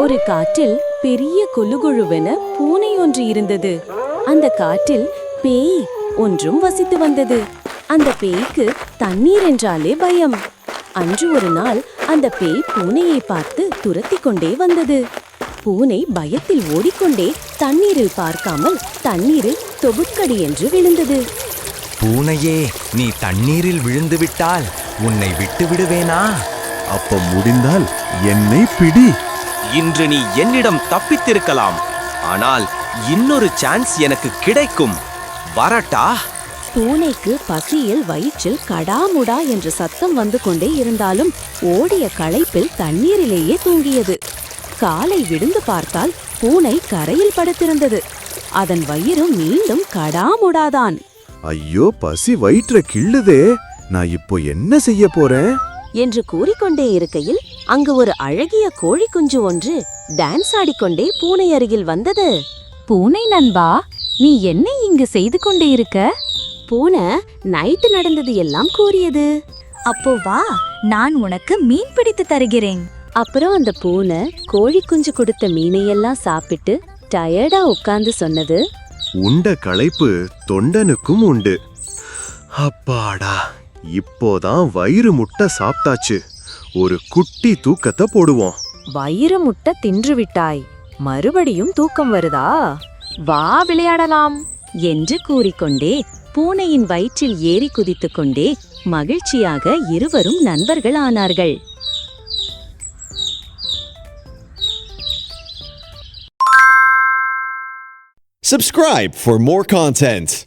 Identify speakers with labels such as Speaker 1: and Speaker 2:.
Speaker 1: ஒரு காட்டில் பெரிய கொலுகொழுவென பூனை ஒன்று இருந்தது. அந்த காட்டில் பேய் ஒன்றும் வசித்து வந்தது. அந்த பேய்க்கு தண்ணீர் என்றாலே பயம். அன்று ஒரு நாள் அந்த பேய் பூனையை பார்த்து துரத்தி கொண்டே வந்தது. பூனை பயத்தில் ஓடிக்கொண்டே தண்ணீரில் பார்க்காமல் தண்ணீரில் தொபுக்கடி என்று விழுந்தது.
Speaker 2: பூனையே, நீ தண்ணீரில் விழுந்து விட்டால் உன்னை விட்டு விடுவேனா?
Speaker 3: அப்ப முடிந்தால் என்னை பிடி.
Speaker 4: இன்று நீ என்னிடம் தப்பித்திருக்கலாம், ஆனால் இன்னொரு சான்ஸ் எனக்கு கிடைக்கும். வரட்டா?
Speaker 1: பூனைக்கு பசியில் வயிற்றில் கடாமுடா என்ற சத்தம் வந்து கொண்டே இருந்தாலும் ஓடிய களைப்பில் தண்ணீரிலேயே தூங்கியது. காலை விழுந்து பார்த்தால் பூனை கரையில் படுத்திருந்தது. அதன் வயிறு மீண்டும் கடாமுடாதான்.
Speaker 3: ஐயோ, பசி வயிற்ற கிள்ளுதே, நான் இப்போ என்ன செய்ய போறேன்
Speaker 1: என்று கூறிக்கொண்டே இருக்கையில் அங்கு ஒரு அழகிய கோழி குஞ்சு ஒன்று டான்ஸ் ஆடிக்கொண்டே பூனை அருகில் வந்தது. பூனை நண்பா, நீ என்ன இங்கு செய்து கொண்டே இருக்க? பூனை நைட்டு நடந்தது எல்லாம் கூறியது.
Speaker 5: அப்போ வா, நான் உனக்கு மீன் பிடித்து தருகிறேன்.
Speaker 1: அப்புறம் அந்த பூனை கோழி குஞ்சு கொடுத்த மீனையெல்லாம் சாப்பிட்டு டயர்டா உட்கார்ந்து சொன்னது,
Speaker 3: உண்ட களைப்பு தொண்டனுக்கும் உண்டு. அப்பாடா, இப்போதான் வயிறு முட்டை சாப்பிட்டாச்சு. ஒரு குட்டி தூக்கத்தை போடுவோம்.
Speaker 1: வயிறு முட்டை தின்று விட்டாய், மறுபடியும் தூக்கம் வருதா? வா விளையாடலாம் என்று கூறிக்கொண்டே பூனையின் வயிற்றில் ஏறி குதித்துக் கொண்டே மகிழ்ச்சியாக இருவரும் நண்பர்கள் ஆனார்கள்.
Speaker 6: Subscribe for more content.